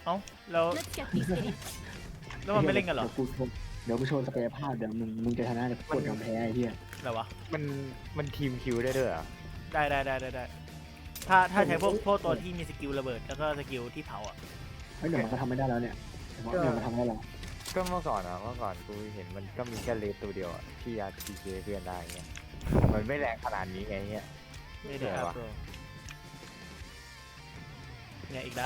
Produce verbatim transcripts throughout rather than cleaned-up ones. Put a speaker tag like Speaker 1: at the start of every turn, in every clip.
Speaker 1: เอ้าแล้วแล้วมันไม่เล่นกันเหรอ
Speaker 2: เดี๋ยวกูโชว์ศักยภาพเดี๋ยวมึงมึงจะชนะเดี๋ยวกดยอมแพ้ไอ้เหี้ย
Speaker 1: อะไรวะ
Speaker 3: มันมันทีมคิวได้ด้วยเหรอ
Speaker 1: ได้ได้ได้ได้ได้ถ้าถ้าใช้พวกพวกตัวที่มีสกิลระเบิดแล้วก็สกิลที่เผาอ่ะ
Speaker 2: เฮ้ยเดี๋ยวมันก็ทำไม่ได้แล้วเนี่ยเดี๋ยวมันทำได้แล้ว
Speaker 3: ก็เมื่อก่อนอะเมื่อก่อนกูเห็นมันก็มีแค่เลสตัวเดียวอะที่อาร์ทีเจเพื่อนได้เงี้ยมันไม่แรงขนาดนี้ไงเงี้ย
Speaker 1: ไม่ได้ครับเนี่ยอีกแล้ว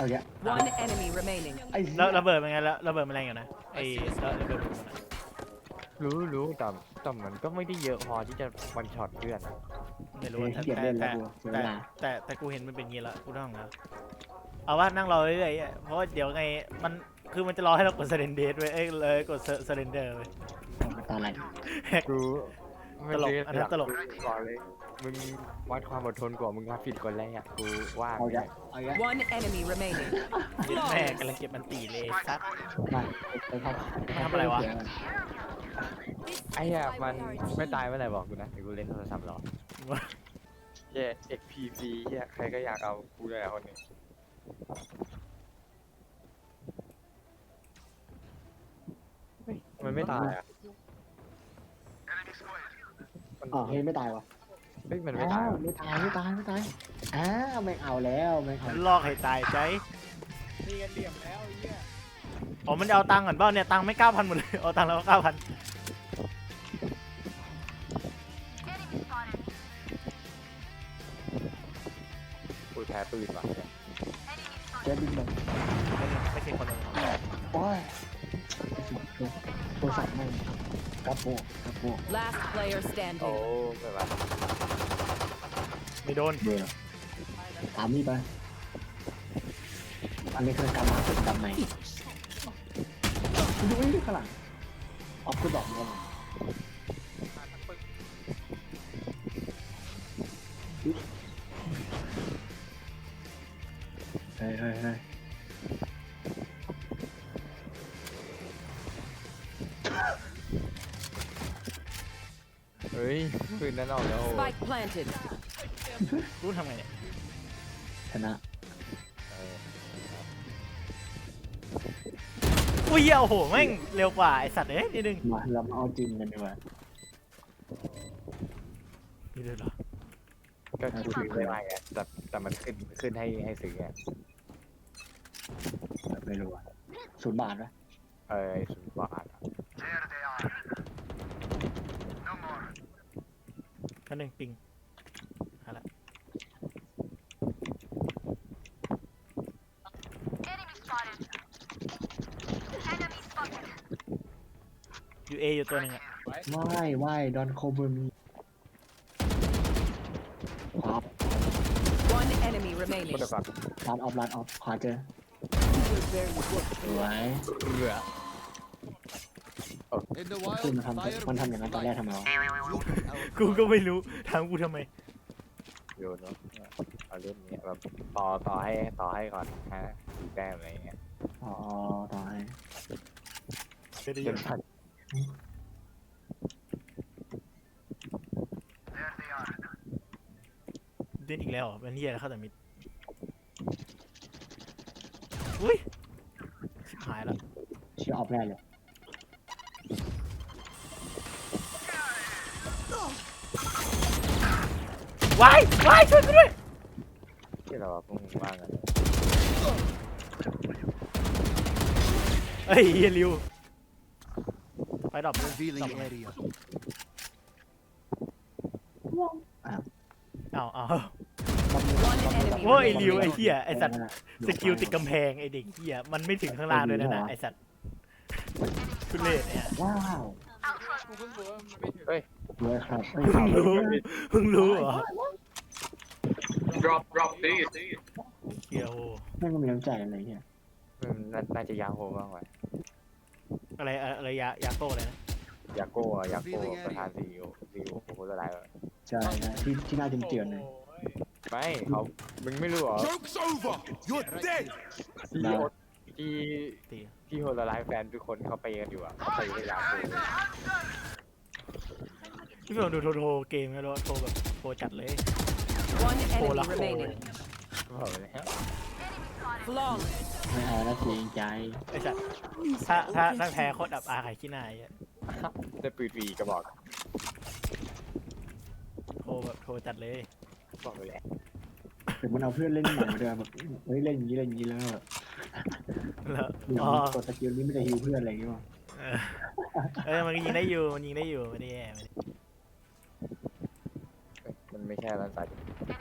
Speaker 1: แล้วระเบิดเป็นไงแล้วระเบิดมันแรงอยู่นะไอ้ระเบิด
Speaker 3: รู้รู้แต่แต่มันก็ไม่ได้เยอะพอที่จะวันช็อตเพื่อน
Speaker 1: ไม่รู้แต่แต่แต่แต่แต่กูเห็นมันเป็นงี้แล้วกูต้องแล้วเอาว่านั่งรอเรื่อยๆเพราะเดี๋ยวไงมันคือมันจะรอให้เรากดเซเรนเดอร์ไว้เอ้ยเลยกดเซเรนเดอร์ไว้
Speaker 2: ตอนไหน
Speaker 3: รู้
Speaker 1: ตลกอันนั้นตลก
Speaker 3: ก่อนเลยมึงวัดความอดทนกว่ามึงมาผิดคนแรกกูว่า
Speaker 2: เอาอย่างเอาอย่าง
Speaker 4: One enemy remaining
Speaker 1: แม่กำลังเก็บมันตีเลยซัด
Speaker 2: ไปครับ
Speaker 1: ทำอะไรวะ
Speaker 3: ไอ้เหี้ยมันไม่ตายเมื่อไหร่บอกกูนะเดี๋ยวกูเล่นโทรศัพท์หรอเย้ เอ็ก พี ซี เหี้ยใครก็อยากเอากูเลยคนนี้มันไม่ตายอ่ะ
Speaker 2: อ๋อเฮ้ยไม่ตายวะ
Speaker 3: เฮ้ยมันไม่ตาย
Speaker 2: ไม่ตายไม่ตายไม่ตายอ้าไม่เอาแล้วไม่เอา
Speaker 1: ลอกให้ตายใจ
Speaker 5: นี่กันเหลี่ยมแล้วไอ้เหี้ย
Speaker 1: อ๋อมันจะเอาตังค์ก่อนเปล่าเนี่ยตังค์ไม่เก้าพันหมดเลยเอาตังค์แล้วเก้าพัน
Speaker 3: กูแพ้ปืนว่ะเนี่ย
Speaker 2: เจ๊บินเลย
Speaker 1: ไม่ใช่คนเลย
Speaker 2: โอ้ยโทรศัพท์ไม่กระโปงกระโปง
Speaker 4: last player standing
Speaker 3: โอ้ไม่ว่า
Speaker 1: ไม่โดน
Speaker 2: เบื่อตามนี่ไปอันนี้คือการมาเป็นกำไหนดูนี่ข้างหลังออฟกูบอกมึงเฮ้ยเฮ้ยเฮ้ย
Speaker 3: เฮ้ยปืนนั้นออกแล้ว
Speaker 4: Spike planted
Speaker 1: รู้ทำไงเนี่ย
Speaker 2: ชนะ
Speaker 1: อุ้ยโอ้โหแม่งเร็วกว่าไอสัตว์เอ้ยนิดนึง
Speaker 2: มาเรามาเอาจริงกันดีกว่า
Speaker 1: นี่เลยเหรอ
Speaker 3: ก็คือซื้อไม่ได้ไงแต่แต่มันขึ้นขึ้นให้ให้ซื้อไง
Speaker 2: ไม่รู้อ่ะศูนย์บาทไหม
Speaker 3: เออศูนย์บาท
Speaker 1: แค่หนึ่งปิงหาละยูเออยู่ตัวหนึ่งอ่ะ
Speaker 2: ไม่ไม่ดอนโคเบอร์มีครับ
Speaker 4: one enemy remaining
Speaker 2: ร้านออฟร้านออฟขวาเจอสวย
Speaker 3: เหลือ
Speaker 2: คือมันทำมันทำอย่างนั้นตอนแรกทำไมวะ
Speaker 1: กูก็ไม่รู้ถามกูทำไม
Speaker 3: โยนเนาะเอาเล่นเนี้ยแบบต่อต่อให้ต่อให้ก่อนฮะสี่แต้มอะไรเงี้ย
Speaker 2: อ๋อต่อให้
Speaker 1: จนพันเล่นอีกแล้วเป็นเฮียแล้วเข้าแต่มิดอุ้ยชิบหายแล้ว
Speaker 2: ชื่อออฟแน่เลย
Speaker 1: วายวายช่วยกูด้วย
Speaker 3: ที่เราพุ่งว่างกัน
Speaker 1: เฮ้ยเฮียริวไปดรอปดรอปอ้าวอ้าวโอ้ยริวไอ้เหี้ยไอ้สัตว์สกิลติดกำแพงไอ้เด็กเหี้ยมันไม่ถึงข้างล่างด้วยนะไอ้สัตว์คุณเล่เนี่ย
Speaker 2: ว้าว
Speaker 3: เฮ้ย
Speaker 2: เลยครับ
Speaker 1: เพิ่งรู้เพิ่งรู้เหรอ
Speaker 5: drop drop please
Speaker 1: เกียว
Speaker 2: ไม่ก็มีน้ำใจอะไรเงี้ย
Speaker 3: น่าจะยาโฮบ้างไว้
Speaker 1: อะไรอะไรยายาโก้เลยนะ
Speaker 3: ยาโก้ยาโก้ประธานซีอีโอซีอีโอโคตรร้ายเลย
Speaker 2: ใช่นะที่ที่น่าเจียนเลย
Speaker 3: ไม่เขามึงไม่รู้เหรอที่ที่โฮลไลฟ์แฟนทุกคนเขาไปกันอยู่อ่ะเขาไปกันยาโก้
Speaker 1: พี่ผมดูโทรโทรเกมแล้วโทรแบบโทรจัดเลย
Speaker 4: one enemy remaining
Speaker 3: บอกเลยฮะ
Speaker 4: Flawless.
Speaker 2: ไม่เอาแล้วเกรงใจ
Speaker 1: ไอ้สัตว์ถ้าถ้าถ้าแพ้โคตรอับอายขายขี้หน้าไอ้เหี้ย
Speaker 3: ได้ปืนฟรีกระบอก
Speaker 1: โทรแบบโทรจัดเลย
Speaker 3: บอกเลยแหละ
Speaker 2: แต่มันเอาเพื่อนเล่นใหม่มาด้วยแบบเฮ้ยเล่นอย่างนี้เล่นอย่างนี้แล้วแบบ
Speaker 1: แล้ว
Speaker 2: อย่าง
Speaker 1: อ๋อ
Speaker 2: นี้กดสกิลนี้ไม่ได้ฮิวเพื่อนอะไรอย่างเงี้ย
Speaker 1: เออเออมันก็ยิงได้อยู่มันยิงได้อยู่ไม่ได้แย่ไม่ได้
Speaker 3: เอ้ยมันไม่ใช่รันสัตว์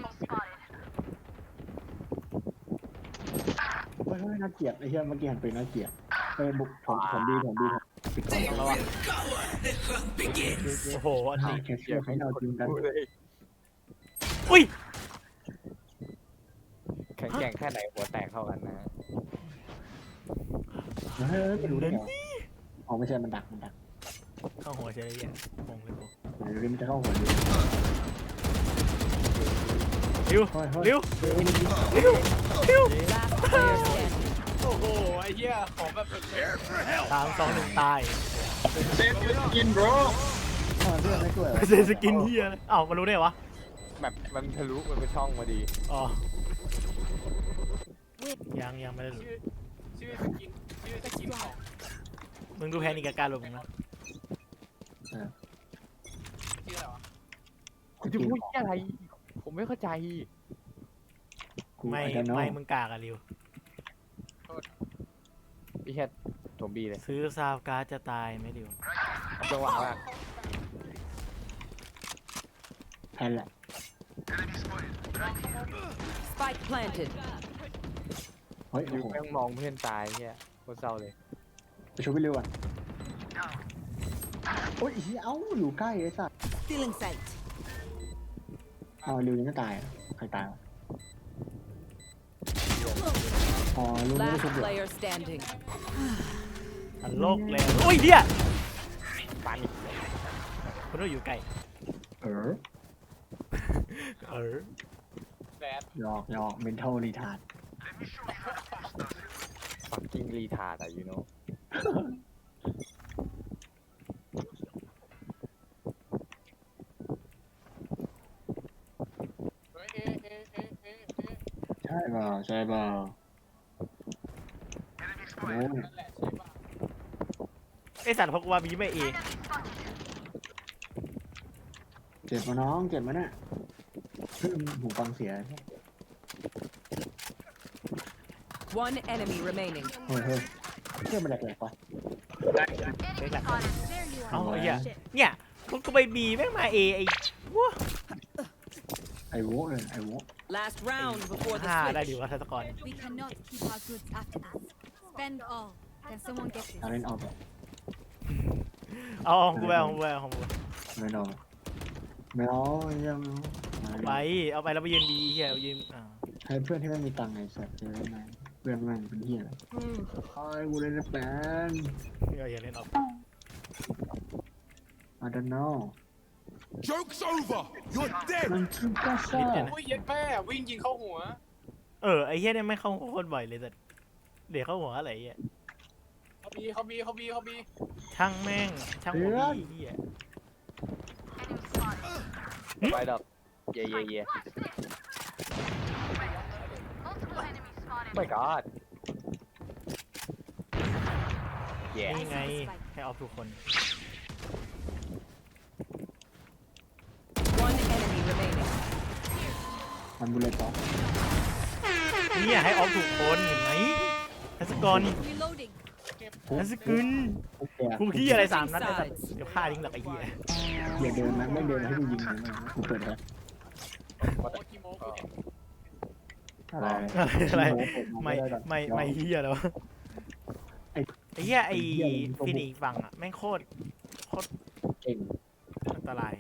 Speaker 2: เฮ้ยน่าเกลียดไอ้เหี้ยเมื่อกี้หันไปน่าเกลียดเฮ้ยบุกผมผมดีผมดีปิดกล้อง
Speaker 1: ต้องระวังโอ้โหอัน
Speaker 2: หา
Speaker 1: นี้
Speaker 2: แคชเชียร์ให้เราจริงกัน
Speaker 3: พูดเลย
Speaker 1: อุ้ย
Speaker 3: แข็งแกร่งแค่ไหนหัวแตกเท่ากันนะ
Speaker 2: เฮ้ยไปดูได้ไงอ๋อไม่ใช่มันดักมันดัก
Speaker 1: เข้าหัวเฉยเลยอ่ะงงเลยกู
Speaker 2: เดี๋ยวมันจะเข้าหัวดิ
Speaker 1: ริว
Speaker 2: เฮ้ยเฮ้ย
Speaker 1: ริว
Speaker 2: เฮ้ยนี่
Speaker 1: ริว
Speaker 4: Last player standing.
Speaker 5: โอ้โหไอ้เหี้ยของแบบสุด
Speaker 1: สามสองหนึ่งตาย
Speaker 5: เซฟยูกิน bro
Speaker 2: ทำไมเพื่อนไม่ช่วย
Speaker 1: เซสกินเฮียเลยอ้าวมันรู้ได้วะ
Speaker 3: แบบมันทะลุมันเป็นช่องมาดี
Speaker 1: อ๋อยังยังไม่ได้รู้
Speaker 5: ชื่อชื่อสกินชื่อสกินของ
Speaker 1: มึงดูแพนิกกับการหลบมึงนะ
Speaker 5: ชื่ออะไรวะ
Speaker 3: คุณจะพูดอะไร ผมไม่เข้าใจ
Speaker 1: ไม่ไม่มึงกากอะริว
Speaker 3: พี่แค่ถมบีเลย
Speaker 1: ซื้อซาวการ์ดจะตายไหมริว
Speaker 3: จังหวะมาก
Speaker 2: แพนแหละ
Speaker 4: Spike planted.
Speaker 2: เฮ้ย
Speaker 3: ดู
Speaker 2: โอ้โห
Speaker 3: แม่งมองเพื่อนตายเนี่ยโคตรเศร้าเลย
Speaker 2: ไปช่วยพี่ริวอ่ะโอ้ยเอ้าอยู่ใกล้ไอ้สัส
Speaker 4: Stealing sight.
Speaker 2: อ๋อริวยังไม่ตายใครตายวะอ๋อริวไม่ได้
Speaker 4: Last
Speaker 2: ชุบเหรอ
Speaker 4: player standing.
Speaker 1: อันโลกเลยโอ้ยเดีย
Speaker 3: ปัน
Speaker 1: คุณต้องอยู่ไกล
Speaker 2: เออ
Speaker 1: เออ
Speaker 5: แบด
Speaker 2: หยอกหยอก mental retard
Speaker 3: ปักกิ้งรีทาร์ดอะยูโน่
Speaker 5: เฮ้ยเอเอเอเอเอ
Speaker 2: ใช่เปล่าใช่เปล่าโอ้ย
Speaker 5: นั่นแหละใช่ป่ะ
Speaker 1: ไอสัตว์พกว่ามีไม่เอ
Speaker 2: เจ็บมาน้องเจ็บมาเนี่ยเพิ่งหูฟังเสีย
Speaker 4: One enemy remaining.
Speaker 2: เฮ้ยเฮ้ยเชื่อมันแหลกๆปะ
Speaker 1: เล็กหลักเอาไอ้เหี้ยเนี่ยพวกก็ไปบีแม่งมาเอไอ้วัว
Speaker 2: ไอ้โว้เลยไอ้โว้
Speaker 4: Last round before the
Speaker 1: ห้าได้ดี
Speaker 4: switch.
Speaker 1: วะทัศกร
Speaker 6: We cannot keep our goods after us. Spend all. Can someone get this?
Speaker 2: เอาเล่นออกแบบ
Speaker 1: เอาเอาของกูไปเอาของกูไปเอาของกูไป
Speaker 2: ไม่เอาไม่เอายัง
Speaker 1: ไปเอาไปแล้วไปยืนดีเฮียยืนอ่า
Speaker 2: ให้เพื่อนที่ไม่มีตังค์ไอ้สัตว์เจอได้ไหมเพื่อนมันเป็นเหี้ยอะไรไอ้กูเล่นแปน
Speaker 1: อย่าเล่นออก
Speaker 2: I don't know
Speaker 7: Joke's over! You're dead!
Speaker 2: มันคือก้าซ่า
Speaker 5: อุ้ยเย็ดแม่วิ่งยิงเข้าหัว
Speaker 1: เออไอ้เฮียเนี่ยไม่เข้าโคตรบ่อยเลยแต่เดี๋ยวเข้าหัวอะไรเฮีย
Speaker 5: เขาบีเขาบีเขาบีเขาบี
Speaker 1: ช่างแม่งช่างหัวบีเฮีย
Speaker 3: ไปดอกเย่เย่เย่ไม่กอดแย่
Speaker 1: นี่ไงให้ออฟทุกคน
Speaker 4: One enemy remaining.
Speaker 2: มันบุเลยต่อ
Speaker 1: เนี่ยให้ออฟทุกคนเห็นไหมทัศกร
Speaker 6: Reloading.
Speaker 1: ทัศกุล
Speaker 2: โอเค
Speaker 1: กูขี้อะไรสามนัดไอ้สัตว์เดี๋ยวฆ่าทิ้งหลักไอ้เฮีย
Speaker 2: อย่าเดินนะไม่เดินให้กูยิงเลยนะกูเปิดแล้ว
Speaker 5: โอ้กิโมกูเห็น
Speaker 2: อะไร
Speaker 1: อะไรไม่ไม่ไม่เฮียแล้วะไอ้เฮียไอ้ฟินิกฝั่งอ่ะแม่งโคตรโคตร
Speaker 2: เก่ง
Speaker 1: อันตราย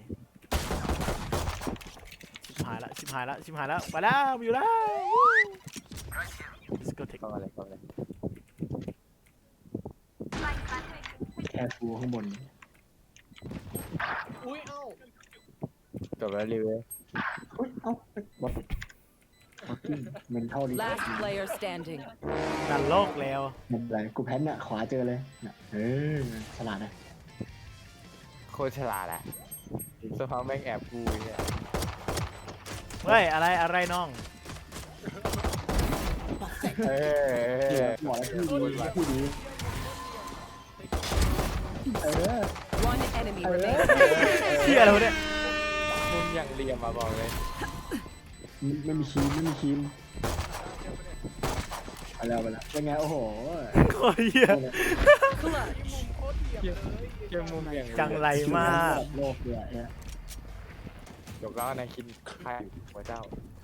Speaker 1: ชิบหายละชิบหายละชิบหายละไปแล้วอยู่แล้ว Let's go take
Speaker 3: เข้ามาเลยเข้ามาเลย
Speaker 2: แค่ฟูข้างบน
Speaker 5: อุ้ยเอ้า
Speaker 3: จบแล้วรีวิว
Speaker 2: เฮ้ยเอ้าบอทบอทกิ้งเมนเท่าดี
Speaker 4: Last player standing.
Speaker 1: ดันโลกแล้ว
Speaker 2: ไม่เป็นไรกูแพนน่ะขวาเจอเลยน่ะเออฉลาดนะ
Speaker 3: โคตรฉลาดอะสภาพแม่งแอบกูเนี่ย
Speaker 1: เฮ้ยอะไรอะไรน้อง
Speaker 7: Pathetic.
Speaker 3: เออ
Speaker 2: บอกแล้วที่ดีที่ดีเออ
Speaker 4: One enemy
Speaker 2: เออ
Speaker 4: remaining.
Speaker 1: เชี่ยอะไรวะเนี่ย
Speaker 3: มุมอย่างเหลี่ยมมาบอกเลย
Speaker 2: ไม่มีคีมไม่มีคีมไปแล้วไปแล้วเป็นไงโอ้โห
Speaker 1: โคตรเหี้ย
Speaker 4: Clutch.
Speaker 5: โคตรเทียบเลย
Speaker 3: เกมมุมอย่าง
Speaker 1: จังไรมาก
Speaker 2: โลกเลยเนี่ย
Speaker 3: จบแล้วนายคินใครหัวเจ้า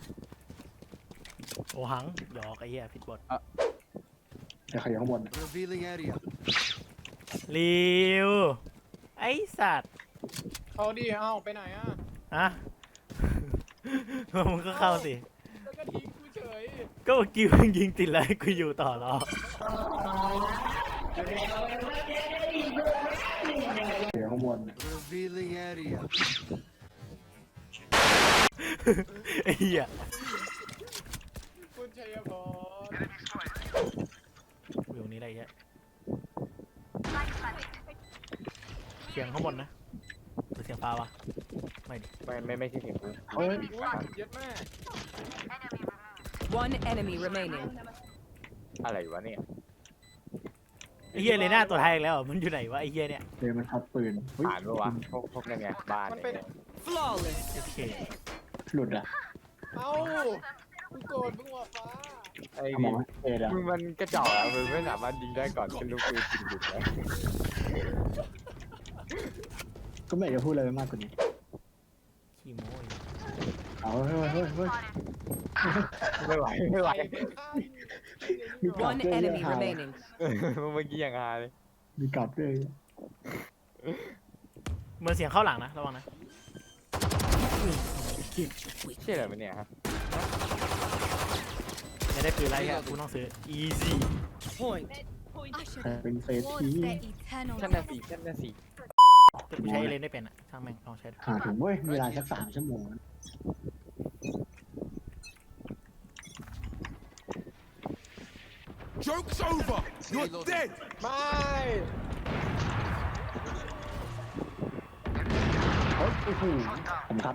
Speaker 1: โอหังหยอกไอ้เหี้ยผิดบท
Speaker 2: เดี๋ยวเขาอยู่ข้างบน
Speaker 7: Revealing area.
Speaker 1: ริวไอ้สัตว์
Speaker 5: เขาดิเอ้าไปไหนอ่ะ
Speaker 1: ฮะ มึงก็เข้าสิ
Speaker 5: แล้วก็ทิ้งกูเฉย
Speaker 1: ก็เมื่อกี้มึงยิงติดแล้วให้กูอยู่ต่อหรอ
Speaker 2: เดี๋ยวข้างบน
Speaker 7: Revealing area.
Speaker 1: ไอ้เหี้ย
Speaker 5: คุณชัยพร
Speaker 1: อยู่ตรงนี้อะไรเงี้ยเสียงข้างบนนะหรือเสียงฟ้าวะไม่ดิ
Speaker 3: ไม่ไม่ไม่ใช่เสียงกู
Speaker 2: เฮ้ย
Speaker 5: อุ้ยเย็ดแม่
Speaker 4: One enemy remaining.
Speaker 3: อะไรวะเนี่ย
Speaker 1: ไอ้เหี้ยเลยหน้าตัวไทยอีกแล้วมันอยู่ไหนวะไอ้เหี้ยเนี่ย
Speaker 2: เดี๋ยวมันทับปืนเฮ้ย
Speaker 3: ผ่านปะวะพวกพวกนั่นไงบ้านเนี่ย
Speaker 4: Flawless.
Speaker 1: โอเค
Speaker 2: หลุดอ่ะ
Speaker 5: เอ้ากูโกรธมึงว่ะฟ้า
Speaker 3: ไอ้
Speaker 2: สม
Speaker 3: ดิ
Speaker 2: องเอ็ดอ่ะ
Speaker 3: มึงมันกระจอกอะมึงไม่สามารถยิงได้ก่อนเป็นลูกปืนจริงหรือไง
Speaker 2: ก็ไม่อยากจะพูดอะไรไปมากกว่านี้
Speaker 1: ขี้โม้ย
Speaker 2: เอาเฮ้ยเฮ้ยเฮ้ย
Speaker 3: ไม่ไหวไม่ไหว
Speaker 5: ไปเป็นข้าง
Speaker 2: มีกลับ
Speaker 4: One
Speaker 2: ด้วย
Speaker 4: enemy
Speaker 2: ฮา
Speaker 4: remaining.
Speaker 3: มึงเมื่อกี้อย่างฮาเลย
Speaker 2: มีกลับด้วย
Speaker 1: เหมือนเสียงเข้าหลังนะระวังนะ
Speaker 3: ใช่เหรอมันเนี่ยฮะ
Speaker 1: ไม่ได้ปืนไรแค่กูต้องซื้อ easy
Speaker 4: Point.
Speaker 2: ใคร
Speaker 6: Usher
Speaker 2: เป็นเฟส
Speaker 6: towards
Speaker 2: ที
Speaker 6: their eternal
Speaker 3: ชั้นน่ะ
Speaker 6: rest.
Speaker 3: สี่ชั้นน่ะสี่
Speaker 1: แต่กูใช้เลนได้เป็นอะช่างแม่งลองใช้ดู
Speaker 2: หาถึงเว้ยมีเวลาสักสามชั่วโมง
Speaker 7: Joke's over. You're dead.
Speaker 5: ไม่
Speaker 2: เฮ้ยโอ้โหผมครับ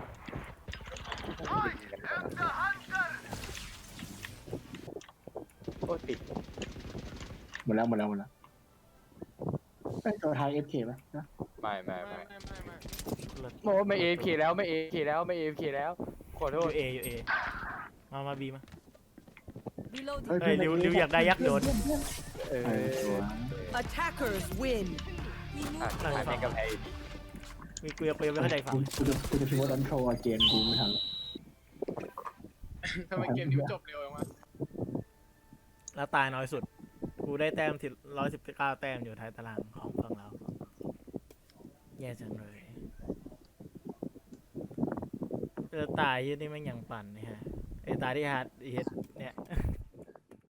Speaker 3: โอ้ติด
Speaker 2: หมดแล้วหมดแล้วหมดแล้วไอ้ตัวไทยเอฟเคป่ะนะ
Speaker 3: ไม่ไม่
Speaker 5: ไม่
Speaker 3: ไม่
Speaker 5: ไม่ไม่ไม่
Speaker 3: โอ้ไม่เอฟเคแล้วไม่เอฟเคแล้วไม่เอฟเคแล้วขอโท
Speaker 1: อ
Speaker 3: ษ
Speaker 1: ยู่เออยู่เอมามาบีมา
Speaker 6: Reloading.
Speaker 1: เฮ้ยริวริวอยากได้ยักษ์โดน
Speaker 3: เออ
Speaker 2: ไอ้ตัว
Speaker 4: Attackers win.
Speaker 3: อ่ะถ่ายในกำแพง
Speaker 1: มีกูยังกูยังไม่เข้าใจฝั่ง
Speaker 2: กูจะกูจะพิมพ์ว่าดันโทรเกมกูไม่ทัน
Speaker 5: ทำไมเกมนี้มันจบเร็วจังวะ
Speaker 1: แล้วตายน้อยสุด กูได้แต้มที่ร้อยสิบเก้าแต้มอยู่ท้ายตารางของฝั่งเรา แย่จังเลยเจอตายยี่นี่แม่งยังปั่นนี่ฮะไอ้ตายที่ฮาร์ดเฮดเนี่ย